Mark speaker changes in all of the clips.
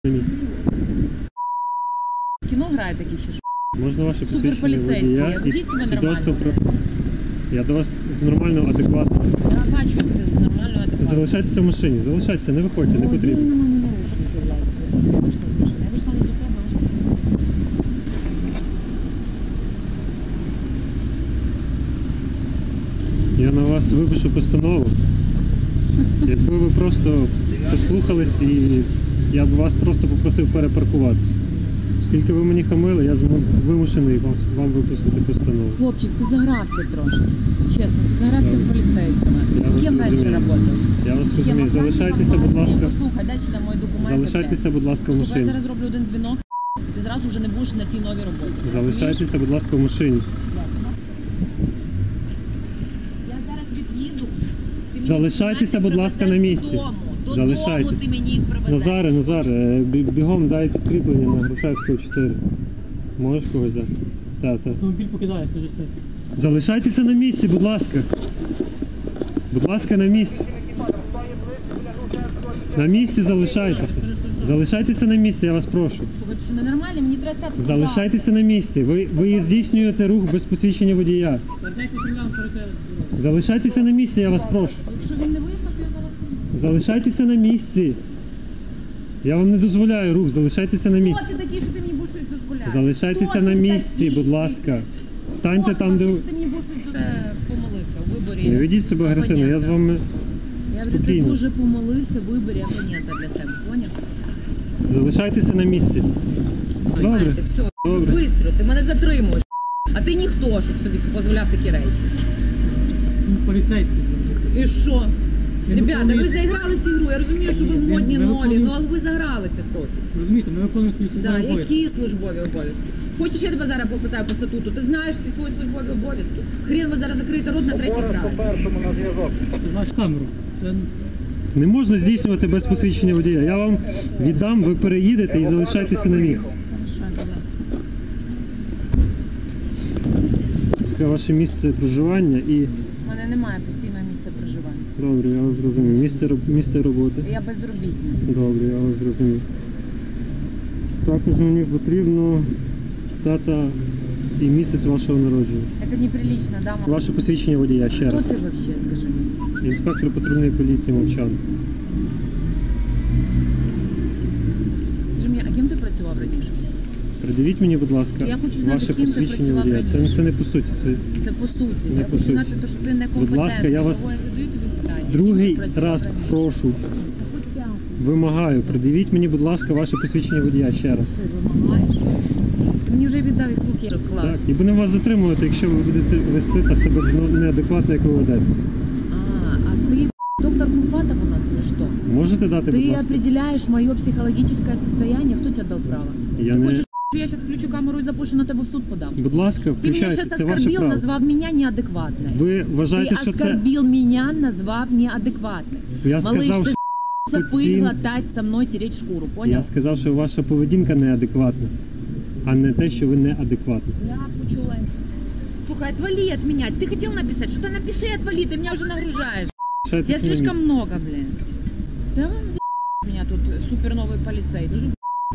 Speaker 1: на місці.
Speaker 2: Кіно грає такі ще ж.
Speaker 1: Можна ваше посвідчення
Speaker 2: Суперполіцейські,
Speaker 1: водія і
Speaker 2: ведіть себе нормально.
Speaker 1: свідоцтво про... Я до вас з нормального, адекватного.
Speaker 2: Я бачу, як ти з нормального адекватного.
Speaker 1: Залишайтеся в машині, залишайтеся, не виходьте, не потрібно.
Speaker 2: Я вийшла з машини. Я вийшла не до тебе, а що ти.
Speaker 1: Я на вас випишу постанову. Якби ви просто послухались і я б вас просто попросив перепаркуватися. Оскільки ви мені хамили, я вимушений вам випустити постанову.
Speaker 2: Хлопчик, ти загрався трошки. Чесно, ти загрався в поліцейському. Ким раніше працював?
Speaker 1: Я вас розумію. Залишайтеся, будь ласка.
Speaker 2: Послухай, дай сюди мої документи.
Speaker 1: Залишайтеся, будь ласка, в
Speaker 2: Слухай, я
Speaker 1: машині.
Speaker 2: зараз роблю один дзвінок, і ти зразу вже не будеш на цій новій роботі.
Speaker 1: Залишайтеся, будь ласка, в машині.
Speaker 2: Я зараз від'їду. Ти мені
Speaker 1: Залишайтеся, будь ласка, на місці.
Speaker 2: Додому ти мені їх привезеш.
Speaker 1: Назаре, бігом дай підкріплення на Грушевського 4. Можеш когось дати? Так.
Speaker 3: Автомобіль покидає, скажи це.
Speaker 1: Залишайтеся на місці, будь ласка. Будь ласка, на місці. На місці залишайтеся. Залишайтеся на місці, я вас прошу.
Speaker 2: Слухай, ти що ненормально? Мені треба стати сюди.
Speaker 1: Залишайтеся на місці. Ви здійснюєте рух без посвідчення водія. Залишайтеся на місці, я вас прошу.
Speaker 2: Якщо він не виїхав, то я зараз...
Speaker 1: Залишайтеся на місці. Я вам не дозволяю рух, залишайтеся на місці.
Speaker 2: Хто ти такий, що ти мені будеш щось дозволяти?
Speaker 1: Залишайтеся на місці, будь ласка. Станьте там, де ви...
Speaker 2: Що ти мені будеш щось дозволяти? Помолився у виборі.
Speaker 1: Не ведіть себе агресивно, я з вами
Speaker 2: Я вже ти
Speaker 1: спокійно.
Speaker 2: дуже помолився в виборі абонента для себе, поняв?
Speaker 1: Залишайтеся на місці. Добре.
Speaker 2: Знаєте, все,
Speaker 1: Добре.
Speaker 2: бистро, ти мене затримуєш. А ти ніхто, щоб собі дозволяв такі речі.
Speaker 3: Поліцейський.
Speaker 2: І що?
Speaker 3: Я
Speaker 2: Ребята,
Speaker 3: не
Speaker 2: ви заігралися ігру, я розумію, що ви
Speaker 3: Ні,
Speaker 2: модні,
Speaker 3: ми
Speaker 2: нові,
Speaker 3: виконуємо-
Speaker 2: ну але ви загралися трохи.
Speaker 3: Розумієте, ми виконуємо свої
Speaker 2: Да,
Speaker 3: службові обов'язки.
Speaker 2: які службові обов'язки? Хочеш, я тебе зараз попитаю по статуту? Ти знаєш всі свої службові обов'язки? Хрен ви зараз закриєте рот на третій фразі.
Speaker 3: Це знаєш камеру. Це
Speaker 1: Не можна здійснювати без посвідчення водія. Я вам віддам, ви переїдете і залишайтеся на місці.
Speaker 2: Хорошо, да.
Speaker 1: Це ваше місце проживання і...
Speaker 2: У мене немає постійного місця проживання.
Speaker 1: Добре, я вас зрозумів. Місце роботи.
Speaker 2: Я безробітна.
Speaker 1: Добре, я вас зрозумів. Також мені потрібно дата і місяць вашого народження.
Speaker 2: Это неприлично, да, мама?
Speaker 1: Ваше посвідчення водія, ще
Speaker 2: Хто
Speaker 1: раз.
Speaker 2: ти вообще, скажи мені?
Speaker 1: Інспектор патрульної поліції Мовчан.
Speaker 2: Скажи мені, а ким ти працював раніше?
Speaker 1: Придивіть мені, будь ласка,
Speaker 2: Я хочу знати,
Speaker 1: ваше
Speaker 2: ким ти
Speaker 1: посвідчення
Speaker 2: працював
Speaker 1: водія.
Speaker 2: раніше.
Speaker 1: Це не по суті.
Speaker 2: Це по суті.
Speaker 1: Не
Speaker 2: Я
Speaker 1: по
Speaker 2: хочу
Speaker 1: суті.
Speaker 2: знати, то, що ти некомпетентний.
Speaker 1: Будь ласка, я вас
Speaker 2: Того я задаю тобі питання.
Speaker 1: другий
Speaker 2: Ким ти працював
Speaker 1: раз
Speaker 2: раніше?
Speaker 1: прошу, вимагаю, придивіть мені, будь ласка, ваше посвідчення водія ще раз.
Speaker 2: Ти вимагаєш? Ти мені вже віддав їх в руки. Клас.
Speaker 1: Так, і будемо вас затримувати, якщо ви будете вести так себе неадекватно, як ви ведете.
Speaker 2: А ты доктор Курпатов у нас или что?
Speaker 1: Можете дати, будь
Speaker 2: Ты
Speaker 1: ласка?
Speaker 2: определяешь мое психологическое состояние. Кто тебе дал право?
Speaker 1: Я
Speaker 2: Ты
Speaker 1: не...
Speaker 2: хочешь, что я сейчас включу камеру и запущу на тебя в суд подам?
Speaker 1: Будь ласка,
Speaker 2: Ты меня
Speaker 1: включайте,
Speaker 2: сейчас
Speaker 1: це ваше
Speaker 2: оскорбил,
Speaker 1: право.
Speaker 2: назвав меня неадекватной.
Speaker 1: Ви вважаєте,
Speaker 2: Ты
Speaker 1: що це...
Speaker 2: оскорбил меня, назвав неадекватной.
Speaker 1: Я
Speaker 2: Малыш,
Speaker 1: сказав,
Speaker 2: ты
Speaker 1: що
Speaker 2: пыль глотать со мной, тереть шкуру, понял?
Speaker 1: Я сказав, що ваша поведінка неадекватна, а не те, що ви неадекватна.
Speaker 2: Я почула. Слухай, отвали от меня. Ты хотел написать? Что-то напиши и отвали, ты меня уже нагружаешь. Тебя
Speaker 1: Лишайтеся на
Speaker 2: слишком
Speaker 1: місці.
Speaker 2: много, блин. Да вам за меня тут супер новый полицейский.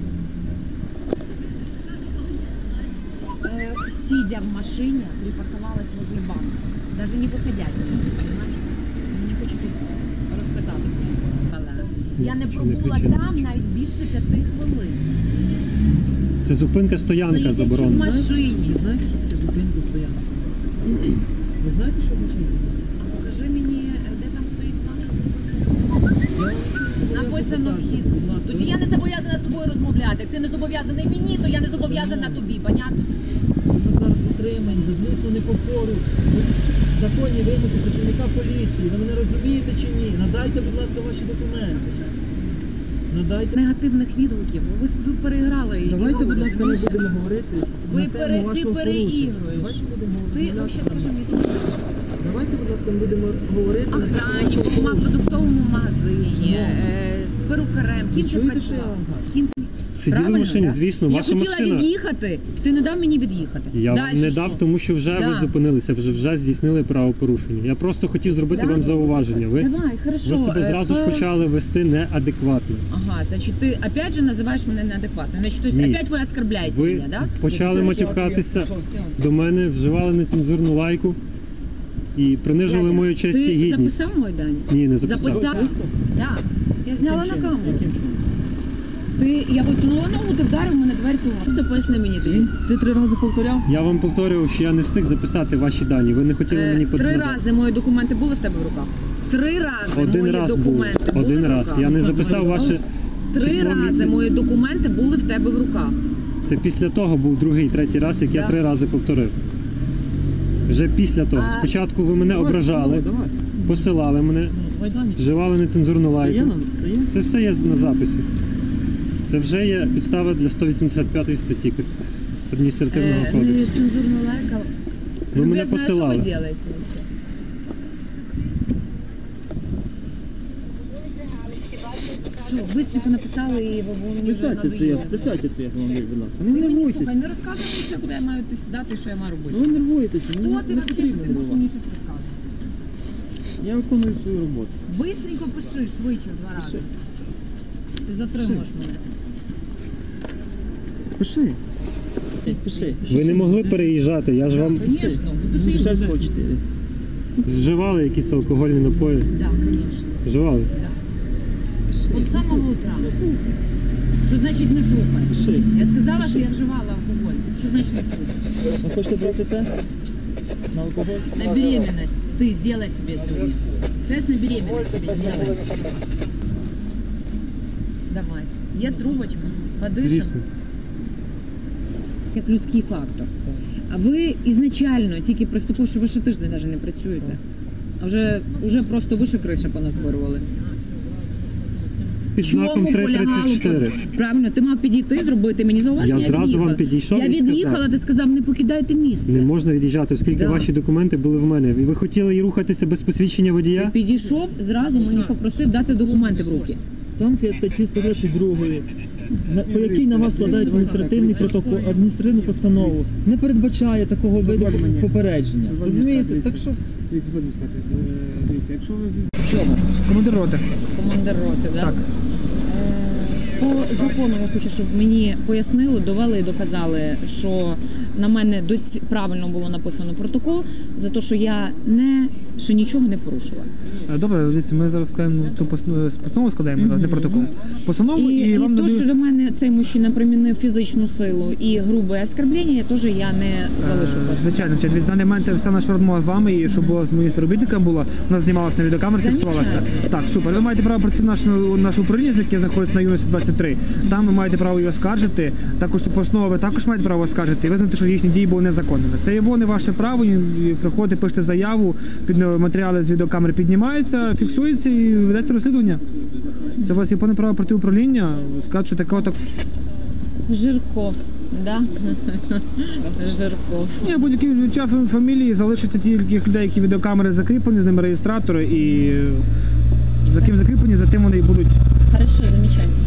Speaker 2: Сидя в машине, припарковалась возле банка. Даже не выходя с нее, понимаешь? Не хочу тут розказати. Я не пробула там навіть більше 5 хвилин.
Speaker 1: Це зупинка, стоянка
Speaker 2: Сидячи в
Speaker 1: заборонена.
Speaker 2: машині.
Speaker 3: знаєте, що таке зупинку стоянку? Ви знаєте, що в машині?
Speaker 2: А покажи мені, де там стоїть знак, що написано вхід. Тоді я не зобов'язана з тобою розмовляти. Як ти не зобов'язаний мені, то я не зобов'язана тобі, понятно?
Speaker 4: Ми зараз затримані за злісну непокору. Законні вимоги працівника поліції. Ви мене розумієте чи ні? Надайте, будь ласка, ваші документи. Надайте.
Speaker 2: Негативних відгуків. Ви переіграли і
Speaker 4: Давайте, будь ласка, ми
Speaker 2: розумієш?
Speaker 4: будемо говорити
Speaker 2: Ви
Speaker 4: на тему
Speaker 2: ти
Speaker 4: вашого порушення.
Speaker 2: переігруєш.
Speaker 4: Давайте будемо
Speaker 2: Ти
Speaker 4: розмовляти
Speaker 2: взагалі скажи
Speaker 4: нормально.
Speaker 2: мені,
Speaker 4: Давайте, будь ласка, ми будемо говорити на тему
Speaker 2: охранником,
Speaker 4: вашого
Speaker 2: в
Speaker 4: порушення.
Speaker 2: продуктовому магазині, перукарем, ким ти
Speaker 4: чуєте, що я
Speaker 2: працював?
Speaker 4: вам кажу?
Speaker 2: Ким
Speaker 1: Сиділи в
Speaker 2: Правильно,
Speaker 1: машині,
Speaker 2: да?
Speaker 1: звісно,
Speaker 2: Я
Speaker 1: ваша
Speaker 2: хотіла
Speaker 1: машина.
Speaker 2: від'їхати, ти не дав мені від'їхати.
Speaker 1: Я вам
Speaker 2: Дальше
Speaker 1: не
Speaker 2: що?
Speaker 1: дав, тому що вже
Speaker 2: Да.
Speaker 1: ви зупинилися, вже здійснили правопорушення. Я просто хотів зробити
Speaker 2: Да?
Speaker 1: вам зауваження. Ви
Speaker 2: Давай, хорошо.
Speaker 1: себе зразу ж почали вести неадекватно.
Speaker 2: Ага, значит, ты опять же называешь меня неадекватной. Значит, то есть
Speaker 1: Ні.
Speaker 2: опять вы оскорбляете
Speaker 1: Ви
Speaker 2: меня, да?
Speaker 1: почали матюкатися до мене, вживали нецензурну лайку і принижили
Speaker 2: Дядя,
Speaker 1: мою честь і
Speaker 2: Ти
Speaker 1: гідність.
Speaker 2: записав мой Дані?
Speaker 1: Ні, не записав.
Speaker 2: Записав? Да. Я зняла на камеру.
Speaker 4: Яким чином?
Speaker 2: Я висунула ногу, ти вдарив мене дверку. Просто поясни мені ти.
Speaker 4: Ти 3 рази повторяв?
Speaker 1: Я вам повторював, що я не встиг записати ваші дані. Ви не хотіли мені
Speaker 2: 3
Speaker 1: подати.
Speaker 2: рази мої документи були в тебе в руках? 3 рази
Speaker 1: Один
Speaker 2: мої
Speaker 1: раз був.
Speaker 2: документи були
Speaker 1: Один
Speaker 2: в
Speaker 1: раз.
Speaker 2: руках?
Speaker 1: Я не записав ваше
Speaker 2: 3
Speaker 1: число
Speaker 2: рази
Speaker 1: місяць.
Speaker 2: мої документи були в тебе в руках.
Speaker 1: Це після того був другий, третій раз, як я
Speaker 2: Да.
Speaker 1: 3 рази повторив. Вже після того.
Speaker 2: А-
Speaker 1: Спочатку ви мене ображали,
Speaker 4: Давай.
Speaker 1: посилали мене,
Speaker 3: Майдані.
Speaker 1: вживали нецензурну
Speaker 4: Це є?
Speaker 1: лайку.
Speaker 4: Це є?
Speaker 1: Це все є на записі. Це вже є підстава для 185 статті адміністративного кодексу.
Speaker 2: Нецензурна лайка.
Speaker 1: Ви мене
Speaker 2: Любезная,
Speaker 1: посилали.
Speaker 2: Що ви робите? Все, быстренько написали і ви мені вже
Speaker 4: Присядьте своє,
Speaker 2: надоїли.
Speaker 4: присядьте своє автомобіль, будь ласка. Не
Speaker 2: Ти мені,
Speaker 4: нервуйтесь.
Speaker 2: слухай, не розказуй мені, що куди я маю йти сідати і що я маю робити.
Speaker 4: Ну ви нервуєтеся,
Speaker 2: Хто
Speaker 4: не
Speaker 2: ти вообще, що
Speaker 4: потрібно
Speaker 2: ти можеш мені
Speaker 4: нервувати.
Speaker 2: щось розказувати?
Speaker 4: Я виконую свою роботу.
Speaker 2: Бистренько пиши, швидше 2 рази.
Speaker 4: Пиши.
Speaker 2: Ти затримуєш мене.
Speaker 4: Пиши. Пиши.
Speaker 1: Ви не могли переїжджати, я ж вам
Speaker 2: Звісно, будеш їздити.
Speaker 4: Шевського 4.
Speaker 1: вживали якісь алкогольні напої.
Speaker 2: Так, звісно.
Speaker 1: Вживали?
Speaker 2: От з самого утра. Що значить не слухай?
Speaker 4: Пиши.
Speaker 2: Я сказала, що я вживала алкоголь. Що значить не слухай?
Speaker 4: Ви хочете пройти тест на алкоголь?
Speaker 2: На беременность ты сделай себе сегодня. Тест на беременность себе сделай. Давай. Є трубочка, подишемо.
Speaker 1: Звісно.
Speaker 2: Як людський фактор. А ви ізначально, тільки приступивши, ви ще тиждень навіть не працюєте. А вже просто вище криша поназборювали.
Speaker 1: Під знаком
Speaker 2: Чому полягало?
Speaker 1: 334.
Speaker 2: Правильно, ти мав підійти, зробити мені зауваження.
Speaker 1: Я зразу
Speaker 2: від'їхала.
Speaker 1: вам підійшов
Speaker 2: Я
Speaker 1: і сказав.
Speaker 2: від'їхала, ти сказав, не покидайте місце.
Speaker 1: Не можна від'їжджати, оскільки
Speaker 2: Да.
Speaker 1: ваші документи були в мене. І ви хотіли і рухатися без посвідчення
Speaker 2: Ти
Speaker 1: водія?
Speaker 2: підійшов, зразу мені попросив дати документи в руки.
Speaker 4: Санкція статті 122, по якій на вас складають адміністративний протокол, адміністративну постанову, не передбачає такого виду попередження. Розумієте? Так що
Speaker 3: Дивіться, будь ласка, дивіться, якщо ви
Speaker 2: Чого?
Speaker 3: командир роти.
Speaker 2: Командир роти, да?
Speaker 3: Так.
Speaker 2: По закону я хочу, щоб мені пояснили, довели і доказали, що на мене правильно було написано протокол за те, що я ще нічого не порушила.
Speaker 3: Добре, дивіться, ми зараз складаємо цю постанову, складаємо, не протокол. Постанову
Speaker 2: І
Speaker 3: вам
Speaker 2: то,
Speaker 3: надають-
Speaker 2: що до мене цей мужчина примінив фізичну силу і грубе оскорблення, теж я не залишу просто.
Speaker 3: Звичайно, в даний момент вся наша розмова з вами, і щоб була з моїм співробітником була, у нас знімалася на відеокамері, фіксувалася.
Speaker 2: Замечательно.
Speaker 3: Так, супер. Ви маєте право прийти в наше управління, яке знаходиться на юності 23. Там ви маєте право її оскаржити. Також цю постанову ви також маєте право оскаржити і визнати, що їхні дії були незаконними. Це є не ваше право. І приходите, пишете заяву, матеріали з відеокамери піднімаються, фіксуються і ведете розслідування. Це у вас є повне право пройти управління, сказати, що такого так.
Speaker 2: Жирков, да? Жирков.
Speaker 3: Ні, будь-які відчуття фамілії залишиться тільки людей, які відеокамери закріплені, з ними реєстратори, і за ким закріплені, за тим вони і будуть.
Speaker 2: Хорошо, замечательно.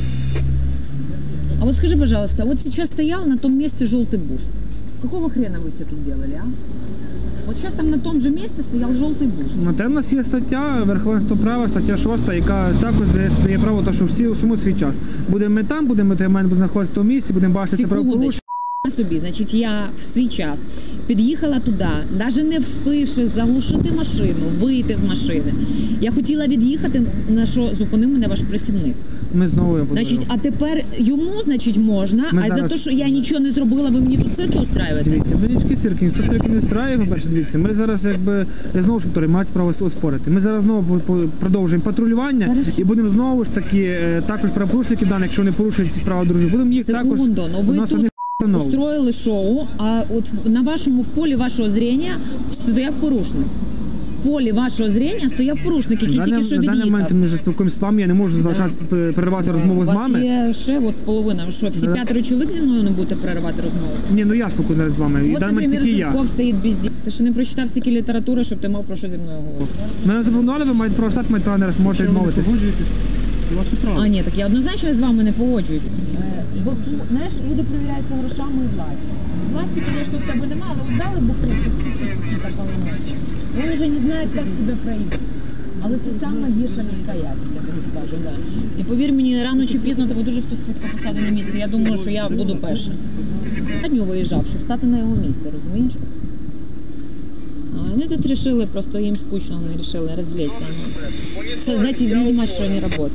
Speaker 2: А вот скажи, пожалуйста, вот сейчас стоял на том месте желтый бус. Какого хрена вы все тут делали, а? Вот сейчас там на том же месте стоял желтый бус.
Speaker 3: На те в нас є стаття верховенство права, стаття 6, яка також дає право, то, що всі усьому свій час. Будемо ми там, будемо знаходитися в тому місці, будемо бачити це правопорушення.
Speaker 2: Секундочку. Собі, значить, я в свій час під'їхала туди, навіть не вспивши заглушити машину, вийти з машини. Я хотіла від'їхати, на що зупинив мене ваш працівник.
Speaker 3: Ми знову його
Speaker 2: Значить, а тепер йому, значить, можна,
Speaker 3: Ми
Speaker 2: а
Speaker 3: зараз-
Speaker 2: за те, що я нічого не зробила, ви мені тут цирки устраюєте?
Speaker 3: Дивіться, будь-який цирк, ніхто цирки не устраює, по-перше, дивіться, ми зараз я знову ж повторюю, мають право оспорити. Ми зараз знову продовжуємо патрулювання
Speaker 2: Хорошо.
Speaker 3: і будемо знову ж таки також правопорушники даних, якщо вони порушують якісь права дружби, будемо їх також.
Speaker 2: Секунду, ну ви
Speaker 3: у нас
Speaker 2: тут
Speaker 3: одних встановлено.
Speaker 2: устроїли шоу, а от на вашому в полі вашого зрення стояв порушник. В полі вашого зрення стояв порушник, який тільки що
Speaker 3: На даний момент
Speaker 2: від'їхав.
Speaker 3: ми вже спілкуємося з вами, я не можу залишатися переривати розмову з
Speaker 2: У вас
Speaker 3: вами.
Speaker 2: є ще от половина. Що, всі
Speaker 3: Да.
Speaker 2: 5 чоловік зі мною не будете переривати розмову?
Speaker 3: Ні, ну я спокійно з вами. І
Speaker 2: От,
Speaker 3: даний момент
Speaker 2: наприклад,
Speaker 3: тільки я.
Speaker 2: Жирков стоїть без дій. Ти ще не прочитав стільки літератури, щоб ти мав про що зі мною говорити.
Speaker 3: Мене запропонували, ви маєте право стати, маєте право не раз, можете відмовитись.
Speaker 1: Це ваше право.
Speaker 2: А ні, так я однозначно з вами не погоджуюсь. Бо, знаєш, люди перевіряються грошами і властю. Власти, звісно, в тебе немає, але от дали буху, чуть-чуть какие-то полномочия. Він вже не знає, як себе проявити. Але це саме гірша людська якість, я тобі скажу. Да. І повір мені, рано чи пізно тебе дуже хтось швидко посади на місце. Я думаю, що я буду перша. Я дню виїжджав, щоб стати на його місце, розумієш? А вони тут вирішили, просто їм скучно, вони вирішили розвлечься. Создать видимость, що вони працюють.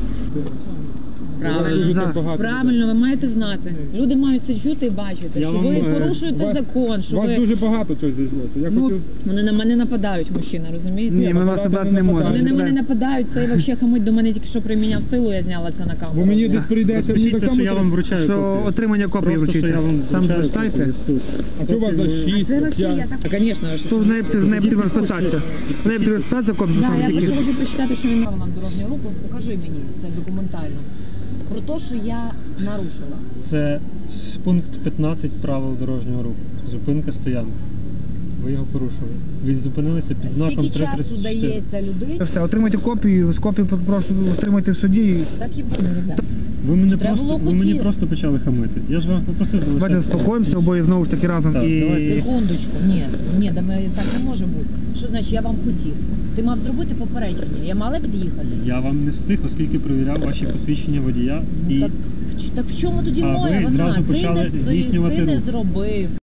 Speaker 2: Правильно. Правильно, ви маєте знати. Люди мають це чути і бачити,
Speaker 1: Я
Speaker 2: що
Speaker 1: вам,
Speaker 2: ви порушуєте закон, що
Speaker 5: У вас
Speaker 2: ви...
Speaker 5: дуже багато чого зійшлося. Я хотів...
Speaker 2: Вони на мене нападають, мужчина, розумієте?
Speaker 3: Ні, ми вас
Speaker 5: нападати
Speaker 3: нападати
Speaker 5: не
Speaker 3: не можемо.
Speaker 2: Вони на мене нападають, цей взагалі хамить до мене тільки що приміняв силу, я зняла це на камеру.
Speaker 5: Бо мені десь прийдеться, мені так
Speaker 1: Розпишіться,
Speaker 5: само
Speaker 1: що я вам
Speaker 5: треба.
Speaker 1: вручаю
Speaker 3: Що
Speaker 1: копію.
Speaker 3: отримання копії
Speaker 1: Просто, що
Speaker 3: вручиться.
Speaker 1: я вам
Speaker 3: Там
Speaker 1: вручаю
Speaker 3: зачитайте.
Speaker 1: копію тут.
Speaker 5: А що у вас за 6,
Speaker 2: Це взагалі
Speaker 5: 5?
Speaker 2: я так... Звісно, що...
Speaker 3: Тут з нею потрібно розписатися. В неї потрібно розписатися копію,
Speaker 2: Да,
Speaker 3: поставити
Speaker 2: я
Speaker 3: тільки.
Speaker 2: просто хочу прочитати, що він правилам дорожнього руху. Покажи мені це документально. Про те, що я нарушила.
Speaker 1: Це пункт 15 правил дорожнього руху. Зупинка стоянка. Ви його порушили. Ви зупинилися під знаком
Speaker 2: Скільки часу
Speaker 1: 334.
Speaker 2: дається людині?
Speaker 3: Все, отримайте копію, з копію просто отримайте в суді.
Speaker 2: Так і буде, ребята.
Speaker 1: Ви мене
Speaker 2: Треба
Speaker 1: просто,
Speaker 2: було
Speaker 1: ви мені
Speaker 2: хотіти.
Speaker 1: просто почали хамити. Я ж вам попросив
Speaker 3: Давайте
Speaker 1: залишатися.
Speaker 3: заспокоїмося обоє знову ж таки разом.
Speaker 1: Так,
Speaker 3: І
Speaker 1: давайте.
Speaker 2: Секундочку. Ні, так не може бути. Що значить, я вам хотів? Ти мав зробити попередження. Я мала під'їхати.
Speaker 1: Я вам не встиг, оскільки перевіряв ваші посвідчення водія. І
Speaker 2: Так в чому тоді
Speaker 1: А ви
Speaker 2: моя вина?
Speaker 1: зразу
Speaker 2: Ти
Speaker 1: почали
Speaker 2: не встиг,
Speaker 1: здійснювати
Speaker 2: ти не
Speaker 1: рух.
Speaker 2: зробив.